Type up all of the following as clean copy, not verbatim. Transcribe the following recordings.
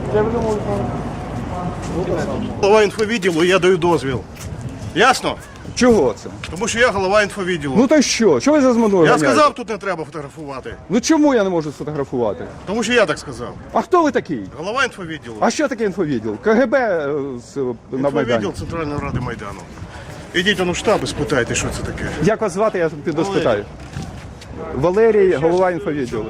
Голова інфовідділу, я даю дозвіл. Ясно? Чого це? Тому що я голова інфовідділу. Ну та що? Чого ви за мною Я ганяєте? сказав, тут не треба фотографувати. Ну чому я не можу сфотографувати? Тому що я так сказав. А хто ви такий? Голова інфовідділу. А що таке інфовідділ? КГБ на Майдані. Інфовідділ Центральної Ради Майдану. Ідіть у штаб і спитайте, що це таке. Як вас звати, я піду спитаю. Валерій, голова інфовідділу.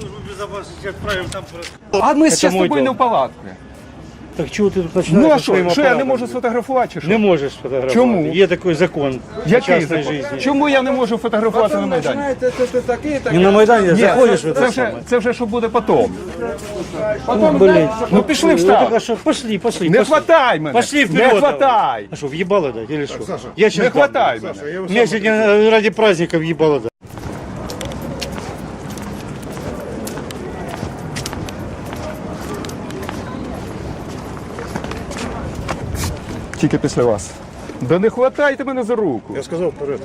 А ми ще з тобою не в палатці. Так чого ти тут починаєш? Ну а що я не можу сфотографувати чи що? Не можеш фотографувати. Чому? Є такий закон Який частної закон? житті. Чому я не можу фотографувати на Майдані? Не на Майдані, Ні, заходиш в це вже що буде потім. Блин. Ну пішли в Ну, штаб. так, а що? Пошли. Не хватай мене. Пошли Не вперед. хватай. А що, въебало дать или что? Я сейчас Не хватай мене. Меня сегодня ради праздника въебало дать. Тільки після вас. Да не хватайте мене за руку. Я сказав вперед.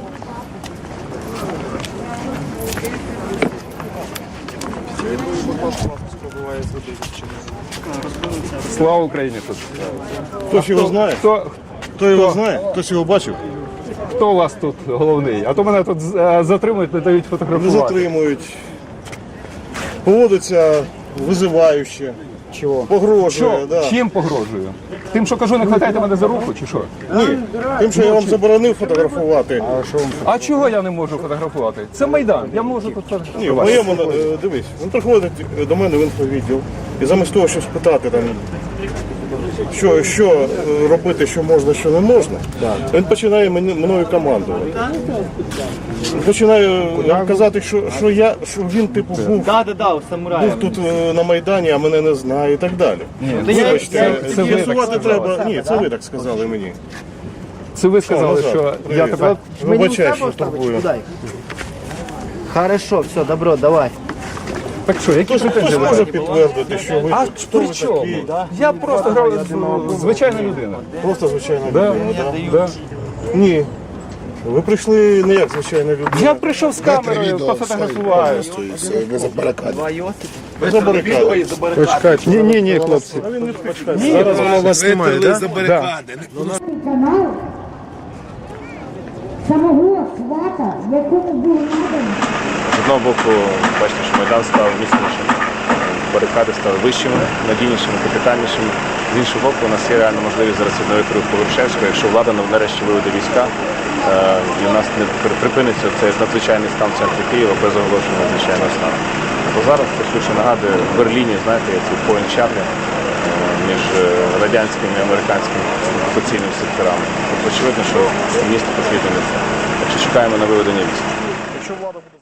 Слава Україні тут. Хтось його знає? Хто його знає? Хтось його бачив? Хто у вас тут головний? А то мене тут затримують, не дають Не фотографувати. затримують. Поводиться визиваюче. Чого? Погрожує, Що? да. Чим погрожую? Тим, що кажу, не хватайте мене за руку, чи що? Ні. Тим, що я вам заборонив фотографувати. А чого я не можу фотографувати? Це Майдан, я можу тут Ні, в фотографувати. моєму, дивись, він приходить до мене в інфовідділ і замість того, щоб спитати там, що робити, що можна, що не можна, він починає мною командувати. Він починає казати, що він типу був тут на Майдані, а мене не знає і так далі. Вибачте, це ви так з'ясувати сказали. треба. Ні, це ви так сказали мені. Це ви сказали, що я Привіт. тебе... Вибачай, що турбую. Хорошо, все, добро, давай. Так що, які Хтось претензії? може підтвердити, що ви А хто при ви чому? такі? Я просто грав звичайна людина. Просто звичайна Да? людина. Да. Ні. Ви прийшли не як звичайна людина. Я прийшов з камерою, пофотографував. Ви за барикади. Ні, хлопці. А він не почекає. Зараз воно вас знімає, так? канал самого свата, якому був наданий. З одного боку, бачите, що Майдан став міцнішим, барикади стали вищими, надійнішими, капітальнішими. З іншого боку, у нас є реальна можливість зараз відновити рух Повершевського, якщо влада нарешті виведе війська, і у нас не припиниться цей надзвичайний стан в центрі Києва без оголошення надзвичайного стану. Бо зараз, це швидше нагадує, в Берліні, знаєте, є ці поінт-чати між радянськими і американськими окупаційними секторами. Тобто, очевидно, що місто потрібно не це. Так що чекаємо на виведення військ.